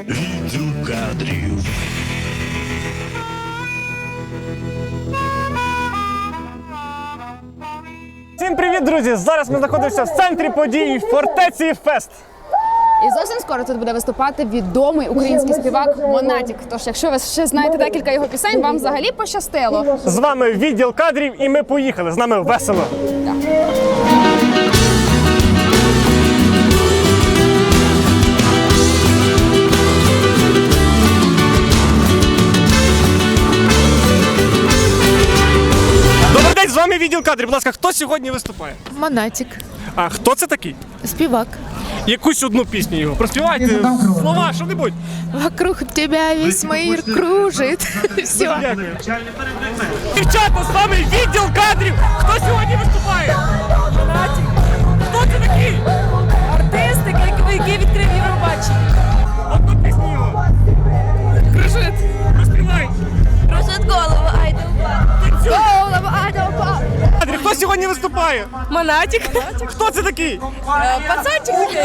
Відеокадрів. Всім привіт, друзі! Зараз ми знаходимося в центрі подій Фортеці Фест. І зовсім скоро тут буде виступати відомий український співак Монатік. Тож, якщо ви ще знаєте декілька його пісень, вам взагалі пощастило. З вами відділ кадрів і ми поїхали. З нами весело. Добрий день, з вами відділ кадрів. Будь ласка, хто сьогодні виступає? Монатік. А хто це такий? Співак. Якусь одну пісню його. Проспівайте слова, що-небудь. Вокруг тебя весь мир кружит. Все. Дякую. Дівчата, з вами відділ кадрів. Хто сьогодні виступає? Монатік. Хто це такий? Артист, який відкрив Євробачення. Одну пісню його. Кружит. Розпівай. Кружит голову, айда голову, айда упав. Кадрів, хто сьогодні виступає? Монатік. Хто це такий? Пацанчик такий.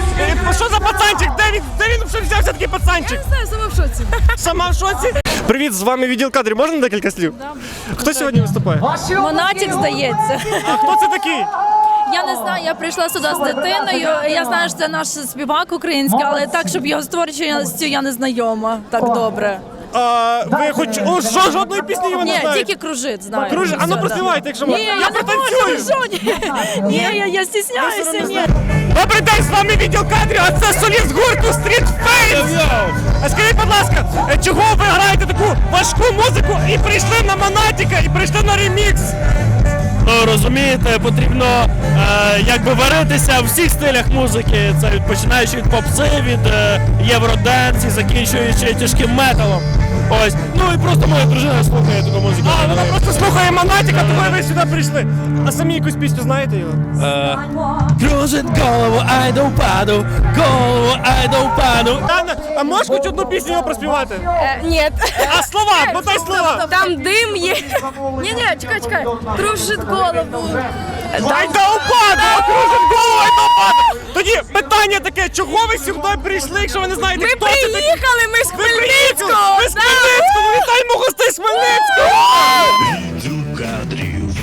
Що за пацанчик? Де він вже взявся такий пацанчик? Не знаю, сама в шоці. Сама в шоці? Привіт, з вами відділ кадрів. Можна декілька слів? Хто сьогодні виступає? Монатік, здається. А хто це такий? Я не знаю, я прийшла сюди з дитиною. Я знаю, що це наш співак український, але так, щоб його створювати, я не знайома так добре. Ви хоч жодної пісні його не Ні, знаєте? тільки кружит, знаю. Кружит? А ну Все, проспівайте, якщо Ні, можна. я не можу, ні, я стісняюся, ні. Добрий день, з вами відділ кадрів, а це соліст гурту Street Face! А скажіть, будь ласка, чого ви граєте таку важку музику і прийшли на Монатіка, і прийшли на ремікс? Ну, розумієте, потрібно якби варитися в всіх стилях музики. Це починаючи від попси, від євроденс і закінчуючи тяжким металом. Ось. Ну і просто моя дружина слухає таку музику. Вона просто слухає Монатіка, тому ви сюди прийшли. А самі якусь пісню знаєте його? Кружить голову, ай да впаду, голову, ай да впаду. Анна, а можеш хоч одну пісню його проспівати? Ні. А слова, подай слова! Там дим є. Ні, чекай. Кружит голову. Ай да упаду! Кружить голову, ай да упаду! Тоді питання таке, чого ви сюди прийшли, якщо ви не знаєте, хто це такий? Ми з Ви приїхали! Ви з Хмельницького! Вітаємо гостей з Хмельницького! Відеокадрів.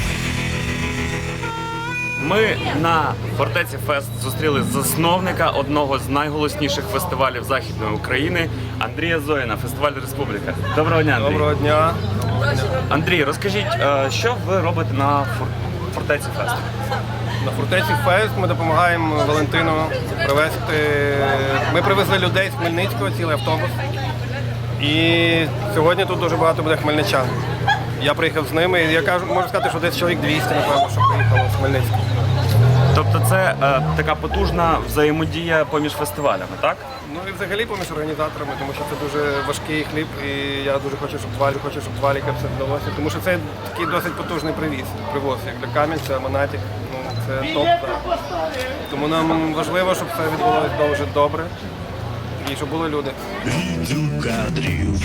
Ми на Фортеці Фест зустріли засновника одного з найголосніших фестивалів Західної України Андрія Зоїна, фестиваль Республіка. Доброго дня, Андрій. Доброго дня. Андрій, розкажіть, що ви робите на Фортеці Фест? На Фортеці Фест ми допомагаємо Валентину привезти. Ми привезли людей з Хмельницького, цілий автобус. І сьогодні тут дуже багато буде хмельничан. Я приїхав з ними, і можу сказати, що десь чоловік 200, напевно, що приїхало з Хмельницького. Тобто це така потужна взаємодія поміж фестивалями, так? Ну і взагалі поміж організаторами, тому що це дуже важкий хліб, і я дуже хочу, щоб Валіка все вдалося. Тому що це такий досить потужний привоз, як для Кам'янця, Монатік. Ну, це топ, так. Тому нам важливо, щоб все відбулося дуже добре і щоб були люди. Відеокадрів.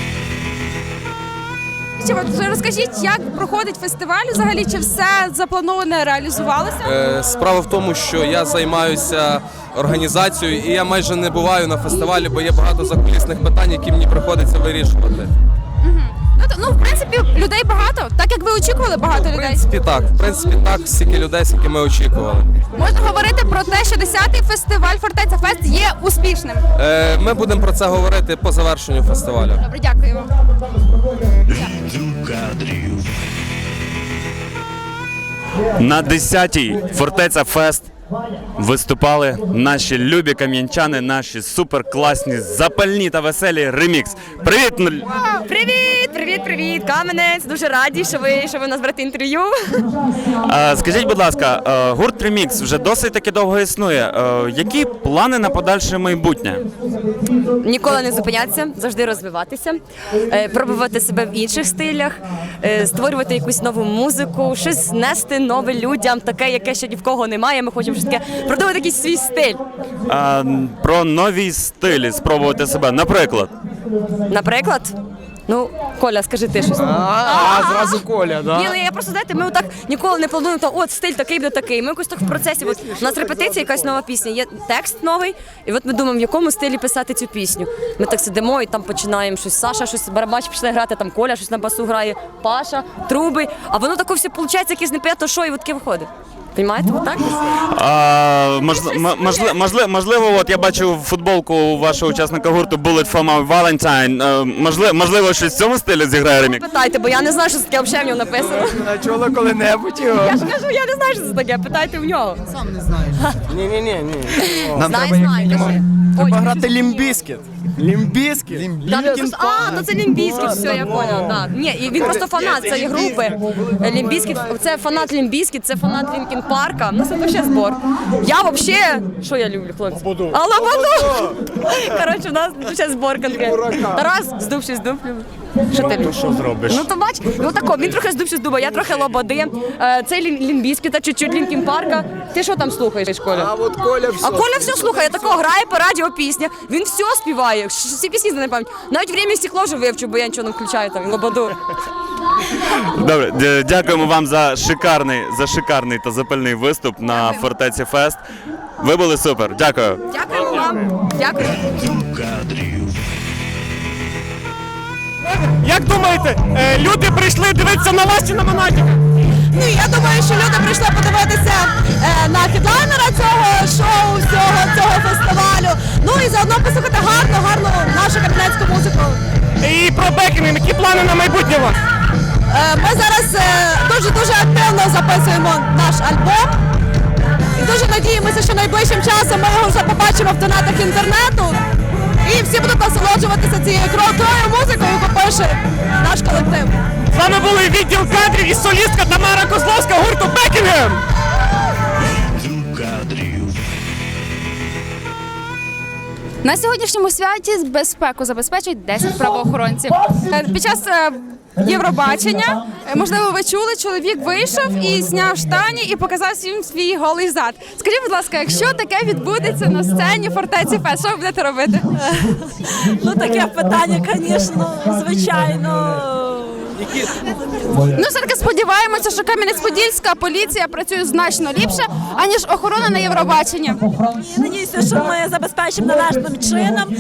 Розкажіть, як проходить фестиваль взагалі, чи все заплановане реалізувалося? Справа в тому, що я займаюся організацією і я майже не буваю на фестивалі, бо є багато закулісних питань, які мені приходиться вирішувати. Ну, в принципі, людей багато, так як ви очікували багато людей. В принципі так, стільки людей, скільки ми очікували. Можна говорити про те, що 10-й фестиваль Фортеця Фест є успішним. Ми будемо про це говорити по завершенню фестивалю. Добре, дякую вам. Відеокадрів. На 10-й Фортеця Фест виступали наші любі кам'янчани, наші суперкласні, запальні та веселі ремікс. Привіт! Привіт, Кам'янець. Дуже раді, що ви у нас берете інтерв'ю. Скажіть, будь ласка, гурт Ремікс вже досить таки довго існує. Які плани на подальше майбутнє? Ніколи не зупинятися, завжди розвиватися, пробувати себе в інших стилях, створювати якусь нову музику, щось нести нове людям, таке, яке ще ні в кого немає. Ми хочемо щось таке продумати якийсь свій стиль. Про нові стилі спробувати себе, наприклад? Наприклад, Ну, Коля, скажи ти щось. Зразу Коля, да? Ні, ну я просто, знаєте, ми отак ніколи не плануємо, то от стиль такий буде такий. Ми якось так в процесі, от у нас репетиція, якась нова пісня, є текст новий, і от ми думаємо, в якому стилі писати цю пісню. Ми так сидимо і там починаємо щось, Саша щось, барабач почне грати, там Коля щось на басу грає, Паша, труби, а воно таке все виходить, якесь непонятно що, і от таке виходить. Понимаєте, отак? Можливо, от я бачу футболку вашого учасника гурту Bullet for My Valentine. Можливо, щось в цьому стилі зіграє ремікс? Питайте, бо я не знаю, що це таке взагалі в нього написано. Чули коли-небудь його? Я ж кажу, я не знаю, що це таке, питайте в нього. Ні. Нам знай, кажи. Ой, Грати Лімбіскіт. Лімбіскіт? Да, ну, просто, ну це Лімбіскіт, все, я поняла. Да. Ні, і він просто фанат цієї групи. Лімбіскіт, це фанат Лімбіскіт, це фанат Лінкін Парка. Ну це вообще збор. Я вообще, що я люблю, хлопці? Лободу. Коротше, у нас ще збор конкретний. Тарас, здуб щось дуб. Що ти любиш? Що зробиш? Ну то бач, ну тако, він трохи здуб щось дуба, я трохи лободи. Цей Лімбіскіта, чуть-чуть Лінкін Парка. Ти що там слухаєш, Коля? А от Коля все. А Коля все слухає, тако грає по радіо пісня, він все співає, всі пісні знає на пам'ять. Навіть «Время і стекло» вже вивчу, бо я нічого не включаю там, лободу. Добре, дякуємо вам за шикарний та запальний виступ на Фортеці Фест. Ви були супер. Дякую. Дякуємо вам. Дякую. Як думаєте, люди прийшли дивитися на вас чи на Монатіка? Ну, я думаю, що люди прийшли подивитися на хедлайнера цього шоу, цього фестивалю. Ну і заодно послухати гарну нашу кам'янецьку музику. І про Бекінг, які плани на майбутнє у вас? Ми зараз дуже активно записуємо наш альбом. І дуже надіємося, що найближчим часом ми його вже побачимо в тонатах інтернету. І всі будуть насолоджуватися цією крутою музикою, яку пише наш колектив. З вами були відділ кадрів і солістка Тамара Козловська гурту Бекінгем. На сьогоднішньому святі безпеку забезпечують 10 правоохоронців. Під час Євробачення, можливо, ви чули, чоловік вийшов і зняв штані і показав всім свій голий зад. Скажіть, будь ласка, якщо таке відбудеться на сцені Фортеці Фест, що ви будете робити? Ну, таке питання, звісно, звичайно. Ну, все-таки сподіваємося, що Кам'янець-Подільська поліція працює значно ліпше, аніж охорона на Євробаченні. Я надіюся, що ми забезпечимо належним чином.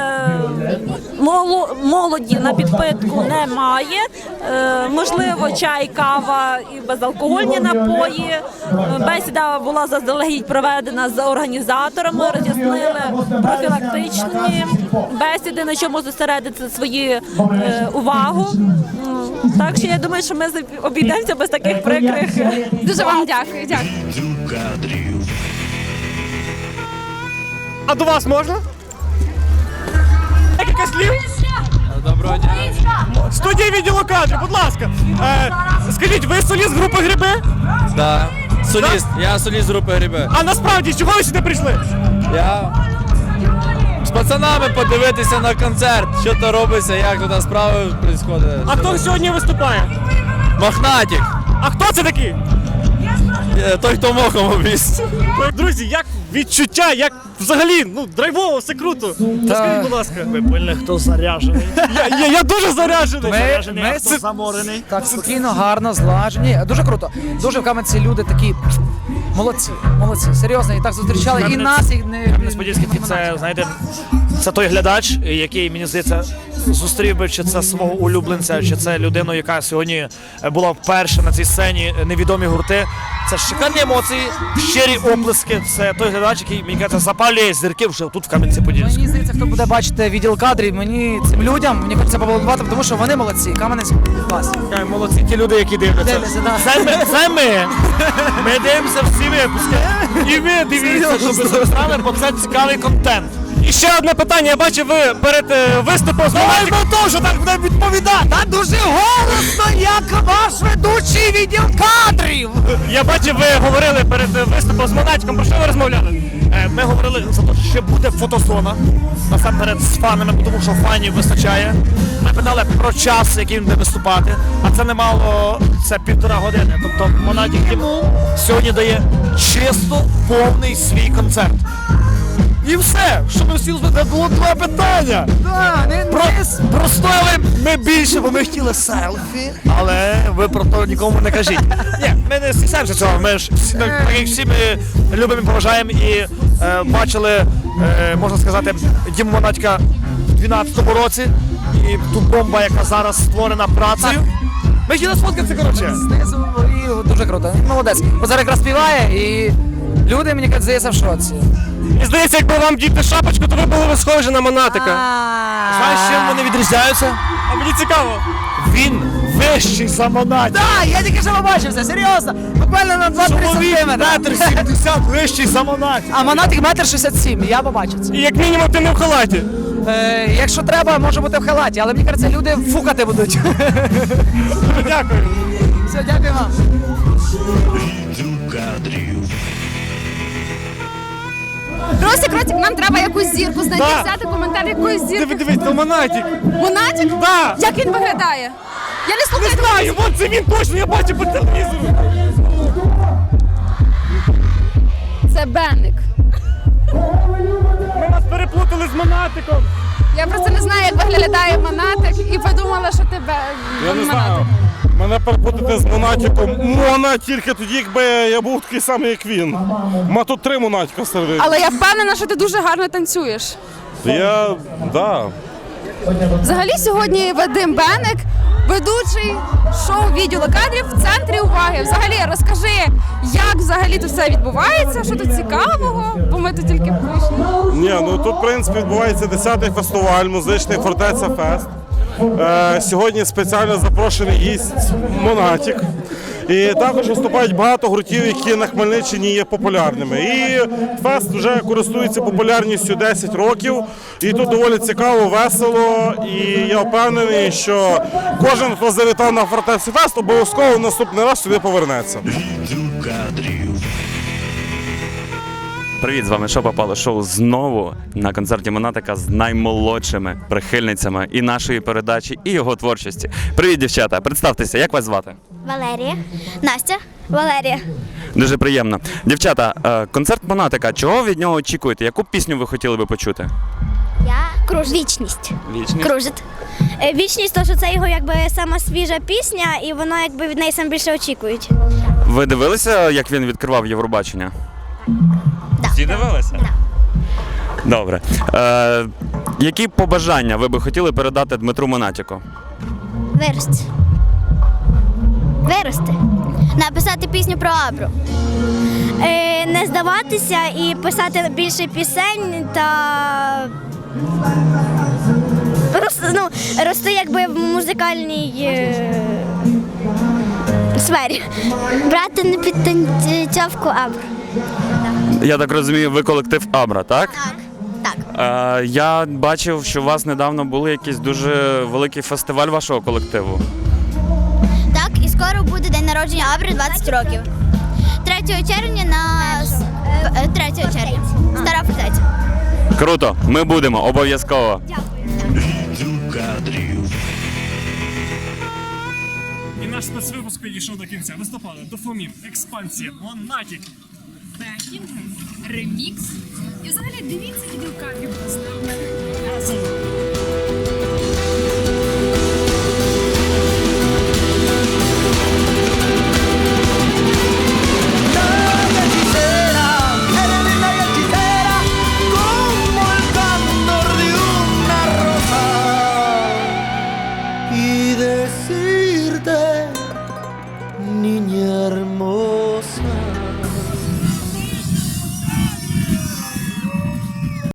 Молоді на підпитку немає. Можливо, чай, кава і безалкогольні напої. Бесіда була заздалегідь проведена з організаторами, роз'яснили профілактичні бесіди, на чому зосередити свою увагу. Так що я думаю, що ми обійдемося без таких прикрих. Дуже вам дякую. А до вас можна? Декілька слів? Доброго дня. Студія відділу кадрів, будь ласка. Скажіть, ви соліст групи Гриби? Да. Соліст. Я соліст групи Гриби. А насправді, чого ви сюди прийшли? Я з пацанами подивитися на концерт, що то робиться, як тут справи відбуваються. А хто сьогодні виступає? Мохнатик. А хто це такий? Той, хто мохом обіс. Друзі, як відчуття, як взагалі, драйвово, все круто. Скажіть, будь ласка. Ви поняли, хто заряджений. Я дуже заряджений. Хто заморений. Так, спокійно, гарно, злажені. Дуже круто. Дуже в Кам'янці люди такі молодці, серйозно, і так зустрічали і нас, і не... Кам'янець-Подільський це, знаєте, це той глядач, який, мені здається, зустрів би, чи це свого улюбленця, чи це людину, яка сьогодні була вперше на цій сцені, невідомі гурти. Це шикарні емоції, щирі оплески. Це той глядач, який, мені кажеться, запалює зірки вже тут, в Кам'янці-Подільському. Мені здається, хто буде бачити відділ кадрів, цим людям, мені хочеться побудувати, тому що вони молодці. Кам'янець клас. Молодці, ті люди, які дивляться. Це ми. Ми дивимося всі випуски. І ви дивіться, щоб ви стали, бо це цікавий контент. І ще одне питання. Я бачив, ви перед виступом з Монатіком що так буде відповідати. Та дуже голосно, як ваш ведучий відділ кадрів. Я бачив, ви говорили перед виступом з Монатіком. Про що ви розмовляли? Ми говорили за те, що ще буде фотозона. Насамперед з фанами, тому що фанів вистачає. Ми питали про час, який він буде виступати. А це немало, це 1,5 години. Тобто Монатік сьогодні дає чисто повний свій концерт. І все, що ми всі це було два питання. Простояли ми більше, бо ми хотіли селфі, але ви про то нікому не кажіть. Ні, ми не стісняємося цього, ми ж всі, так як всі ми любимо і поважаємо і бачили, можна сказати, Діму Монатіка в 12-му році і ту бомба, яка зараз створена працею. Ми хотіли сфоткатися, коротше. Знизу і дуже круто. Молодець. Бо зараз якраз співає і люди, мені здається, в шоці. І здається, якби вам діти шапочку, то ви були б схожі на Монатика. Знаєш, чим вони відрізняються? А мені цікаво. Він вищий за Монатік. Так, я тільки що побачився, серйозно. Буквально на 2-3 сантиметри. Метр 70 вищий за Монатік. А Монатик 1,67 м, я побачив це. І як мінімум ти не в халаті. Якщо треба, може бути в халаті, але мені кажеться, люди фукати будуть. Дякую. Все, дякую вам. Від кадрів. Ростик, нам треба якусь зірку знайти, Да. взяти коментар якоїсь зірки. Дивись, то Монатік. Монатік? Да. Як він виглядає? Я не Не слухаю. знаю, вон це він точно, я бачу по телевізору. Це Бенник. Ми нас переплутали з Монатиком. Я просто не знаю, як виглядає Монатик і подумала, що тебе Я не знаю. Монатик. Мене перепутати з Монатіком. Мона тільки тоді, якби я був такий самий, як він. Ма тут 3 Монатіка серед. Але я впевнена, що ти дуже гарно танцюєш. Да. Взагалі сьогодні Вадим Бенник, ведучий шоу «Відділу кадрів» в центрі уваги. Взагалі, розкажи, як взагалі тут все відбувається, що тут цікавого, бо ми тут тільки прийшли. Ні, ну тут, в принципі, відбувається 10-й фестиваль, музичний Фортеця Фест. Сьогодні спеціально запрошений гість Монатік. І також виступають багато гуртів, які на Хмельниччині є популярними. І фест вже користується популярністю 10 років. І тут доволі цікаво, весело. І я впевнений, що кожен, хто завітав на Фортецю Фест, обов'язково наступний раз сюди повернеться. Від кадрів. Привіт, з вами Що попало шоу знову на концерті Монатика з наймолодшими прихильницями і нашої передачі, і його творчості. Привіт, дівчата! Представтеся, як вас звати? Валерія. Настя. Валерія. Дуже приємно. Дівчата, концерт Монатика, чого від нього очікуєте? Яку пісню ви хотіли би почути? Вічність. Вічність? Кружит. Вічність, то що це його якби сама свіжа пісня, і вона якби від неї сам більше очікують. Ви дивилися, як він відкривав Євробачення? Да. Всі дивилися? Да. Добре. Які побажання ви би хотіли передати Дмитру Монатіку? Вирости. Вирости. Написати пісню про Абру. Не здаватися і писати більше пісень та рости якби в музикальній сфері. Брати на підтанцьовку Абру. Я так розумію, ви колектив Абра, так? Так. Я бачив, що у вас недавно був якийсь дуже великий фестиваль вашого колективу. Так, і скоро буде день народження Абри 20 років. 3 червня на 3 червня. Стара Фортеця. Круто, ми будемо, обов'язково. Від кадрів. І наш спецвипуск підійшов до кінця. Листопада, Дофамін, Експансія, Монатік. Ремікс. І взагалі дивіться відеокадрів.